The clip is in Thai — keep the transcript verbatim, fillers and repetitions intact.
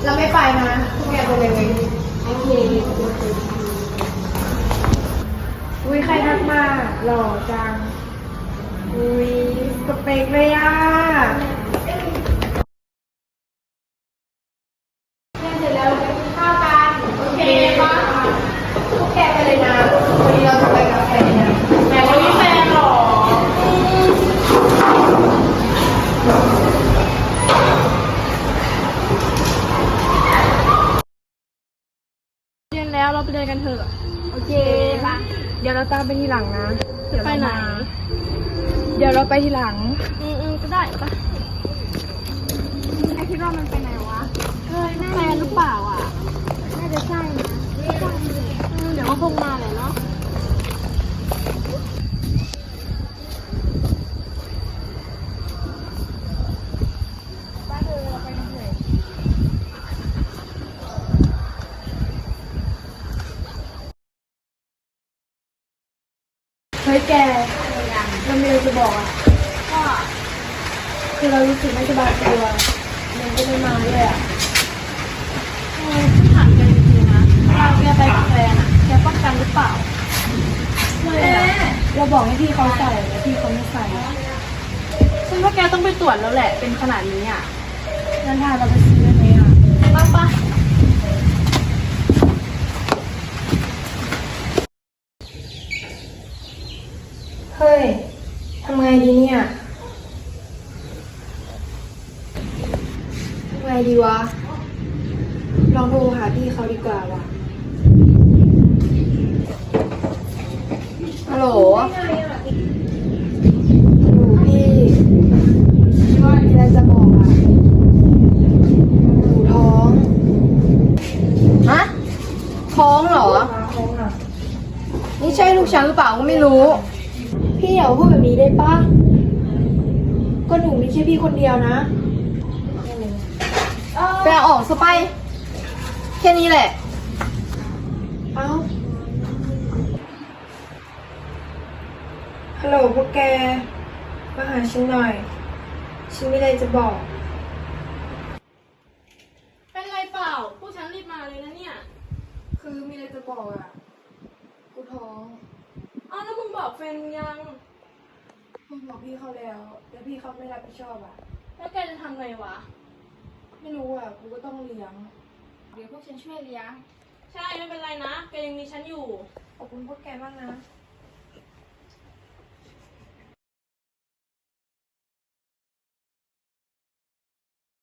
เราไม่ไปนะพวกแกไปเลยโอเคอุ้ยใครทักมาหล่อจังอุ้ยสเปคเลยอ่ะเสร็จแล้วเราไปกินข้าวกันโอเคป่ะพวกแกไปเลยนะวันนี้เราจะไปกับแฟนนะแม่วันนี้แฟนหรอเรียนแล้วเราไปเดินกันเถอะโอเคป่ะเดี๋ยวเราตามไปทีหลังนะไปไหนเดี๋ยวเราไปทีหลังอืมอืมก็ได้ป่ะไอคิดว่ามันไปไหนวะเฮ้ยแฟนหรือเปล่าอ่ะน่าจะใช่นะเดี๋ยวก็คงมาแหละเนาะบ้านเธอเราไปกันเถอะเฮ้ยแกเรามีอะไรจะบอกอ่ะว่าคือเรารู้สึกไม่สบายตัวมันก็ไม่มาด้วยอ่ะเออฉันถามแกจริงๆนะเราแกไปกับแฟนอ่ะแกป้องกันหรือเปล่าไม่อะเราบอกให้พี่เขาใส่แล้วพี่เขาไม่ใส่ฉันว่าแกต้องไปตรวจแล้วแหละเป็นขนาดนี้อ่ะงั้นถ้าเราไปซื้อได้ไหมอ่ะป้าป้าเฮ้ยทำไงดีเนี่ยทำไงดีวะลองโทรหาพี่เขาดีกว่าวะฮัลโหลฮัลโหลพี่ว่ามีอะไรจะบอกอ่ะหนูท้องฮะท้องเหรอนี่ใช่ลูกฉันหรือเปล่าก็ไม่รู้พี่อย่าพูดแบบนี้ได้ปะก็หนูมีแค่พี่คนเดียวนะไปเอาออกซะไปแค่นี้แหละเอ้าฮัลโหลพวกแกมาหาฉันหน่อยฉันมีอะไรจะบอกเป็นไรเปล่าพวกฉันรีบมาเลยนะเนี่ยคือมีอะไรจะบอกอ่ะกูท้องอ้าวแล้วมึงบอกแฟนมึงยังมึงบอกพี่เขาแล้วแล้วพี่เขาไม่รับผิดชอบอ่ะแล้วแกจะทำไงวะไม่รู้อ่ะกูก็ต้องเลี้ยงเดี๋ยวพวกฉันช่วยเลี้ยงใช่ไม่เป็นไรนะแกยังมีฉันอยู่ขอบคุณพวกแกมากนะ